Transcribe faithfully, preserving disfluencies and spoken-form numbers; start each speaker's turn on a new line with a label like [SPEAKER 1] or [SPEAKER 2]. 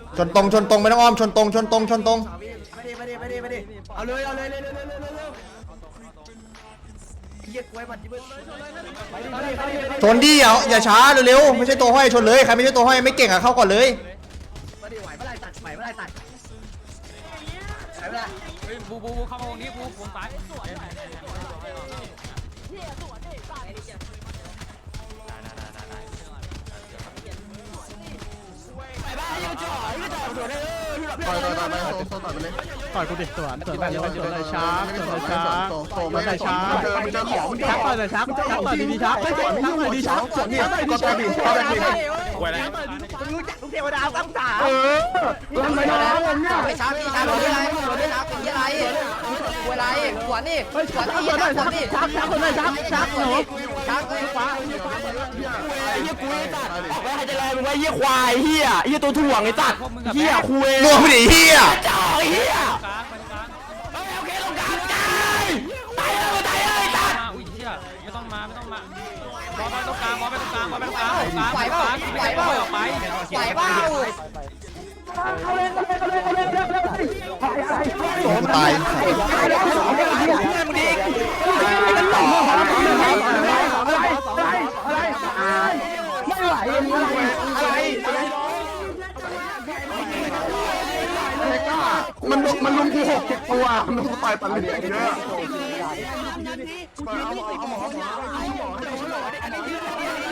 [SPEAKER 1] ชนตรงชนตรงไม่ต้องอ้อมชนตรงชนตรงชนตรง
[SPEAKER 2] ไม่ได้ไม่ได้ไม่ได้ไม่ได้เอาเลยเอาเลยเร็วเร็วเร็วเร็วเร็วเยี่ยกล้วยมันจิ้ม
[SPEAKER 1] ชนดิอย่าอย่าช้าเร็วๆไม่ใช่ตัวห้อยชนเลยใครไม่ใช่ตัวห้อยไม่เก่งอะเข้าก่อนเลย
[SPEAKER 2] ไม่ได้ไหวไม่ได้ตัดไหวไม่ได้ตัดไหวไม่ได้
[SPEAKER 3] บูบูบูเข้ามาวงนี้บูวงซ้าย
[SPEAKER 4] ต่อยต่อยต่อยไปโซ่ต่อยไปเลย
[SPEAKER 5] ต่อยกูดิสวนสวนไปเลยสวนเลยช้าสวนเลยช้า
[SPEAKER 4] โซ่ไม่ได้ช้าเจอของ
[SPEAKER 5] ชักต่อยเลยชักชักต่อยดีๆชักชักต่อยดีชัก
[SPEAKER 4] ส่วนนี้ก็ต่อยดีก็ต่อยดี
[SPEAKER 3] ไหวแล้ว
[SPEAKER 2] รู้จักลูกเทวดาตั้งสา
[SPEAKER 4] เออลงไปแล้วเนี่ย
[SPEAKER 6] ไปช้าพี่ช้าเป็นอะไรเป็นช้าเป็นอะไรเป็นอะไรขวานนี่ขวานนี่ขวานนี่
[SPEAKER 5] ชักชักคนเลยชักชักหนู
[SPEAKER 6] ช้าเลยขวา
[SPEAKER 2] เยี่ยกล้วยตัดออกไปให้จะแรงมึงไว้เยี่ยควายเฮียเยี่ยตัวถ่วงไอ้ตัดเฮียคุย
[SPEAKER 1] รวมไปดิเฮีย
[SPEAKER 2] จ่อเฮีย
[SPEAKER 3] กลางไปตรงกลาง
[SPEAKER 2] โอเคลงกลางตายตายเลยตายเลยตัด
[SPEAKER 3] มาอุ้ยเชี่ยไม่ต้องมาไม่ต้องมาบอลไปตรงกลางบอลไปตรงกลางบอลไปตรงกลางตรงกลางตรงกลางไม่ได้ปล่อยออกไป
[SPEAKER 6] ไหวเปล่า
[SPEAKER 1] โดนตาย
[SPEAKER 2] มึงดิ
[SPEAKER 4] มันมันลุมกูหกเจ็ดตัวมันลุมต่อยปันเลยเยอะ